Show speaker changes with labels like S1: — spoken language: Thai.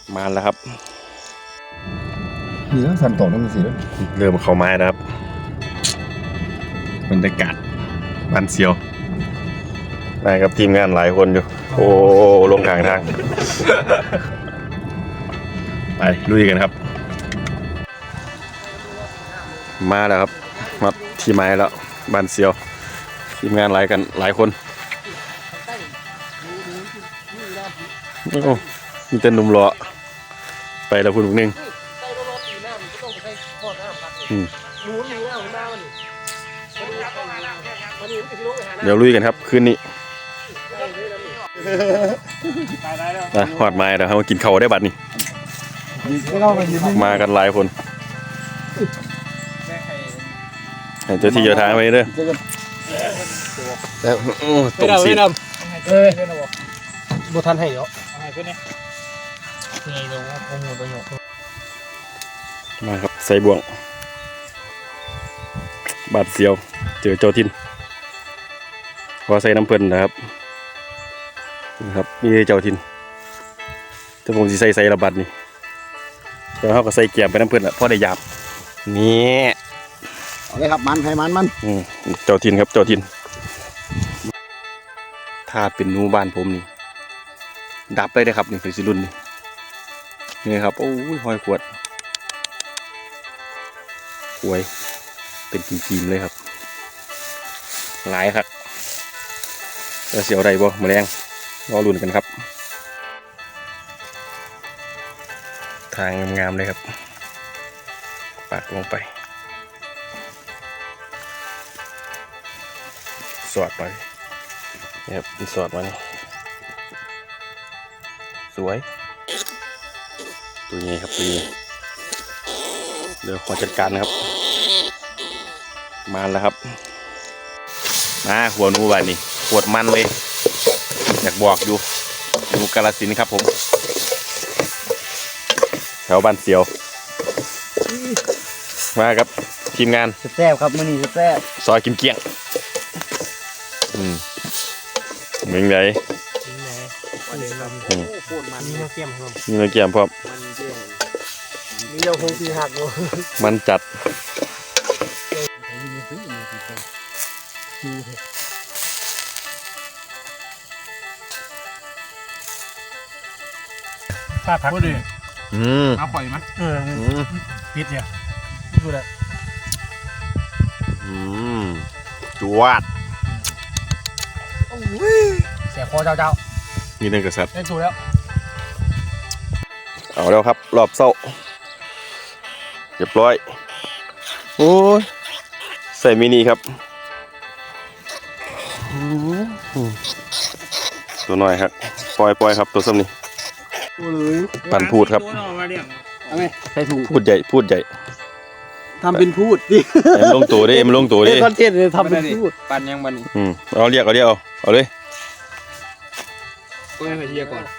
S1: มาแล้วครับ
S2: นี่แล้วสันตกนั่นมันสิแล้ว
S1: เริ่มเข้าไม้แล้วครับบรรยากาศบ้านเซียวมากับทีมงานหลายคนอยู่โอ้ลงทางไปลุยกันครับมาแล้วครับมาที่ไม้แล้วบ้านเซียวทีมงานหลายคนโอ้มีแต่หนุ่มหล่อไปแล้วคุณพวกนึงเดี๋ยวลุยกันครับคืนนี้หอดไม้เดี๋ยวเรากินข้าวได้บัดนี้มากันหลายคนเจ้าที่เจ้าทางไปเด้อตกซีด
S3: บุทันให้เดี๋ยวให้เพื่อนเนี่ยนี่ลงโอ้โหตัวหยก
S1: มาครับใส่บ่วงบาดเสียวเจอเจ้าทินพอใส่น้ำเพิ่นนะครับนะครับมีเจ้าทินถ้าผมจะใส่ระบาดนี่เดี๋ยวเขาก็ใส่แกมไปน้ำเพิ่นละพอได้หยาบนี่
S2: เอาเลยครับมันให้มัน
S1: เจ้าทินครับเจ้าทินถ้าเป็นนูบ้านผมนี่ดับเลยนะครับนี่คือสิรุ่นนี่ครับโอ้ยหอยขวดหวยเป็นจีมๆเลยครับหลายครับแล้วเสียวไรบ่แมลงรอลุ้นกันครับทางงามๆเลยครับปาดลงไปสอดไปนี่ครับสอดมานี่สวยตัวนี้ครับตัวนี้เดี๋ยวขอจัดการนะครับมาแล้วครับมาหัวนูบานนี่ปวดมันเลยอยากบอกอยู่นูกาฬสินธุ์ครับผมแถวบ้านเสียวมาครับทีมงาน
S2: แซ่บครับมื้อนี้แซ่บ
S1: ซอยกิมเกี้ยงเหมือนไงมีเนื้อเกี่ยมพร้อม
S2: นี่เราคงสีหักเลย
S1: มันจัด
S3: ป้าพักก็ดีมาปล่อยมั้ยปิดเนี่ยดูเลย
S1: จวด
S3: เสียคอเจ้า
S1: มีเนื้อกระสับ
S3: ได้ถูกแล้ว
S1: เอาแล้วครับรอบเศร้าเรียบร้อยโอ้ยใส่มินิครับตัวน้อยครับปล่อยครับตัวซ้ำนี่ปั่นพูดครับ
S2: ใส่ถุง
S1: พูดใหญ่
S2: ทำเป็นพูดดิ
S1: มันลงตัวดิมันลงตัวดิ
S2: คอนเทนต์เลยทำเป็นพูด
S3: ปั่นยังมัน
S1: เอาเรียกเอาเลย
S3: ก็ให้เฮียก่อน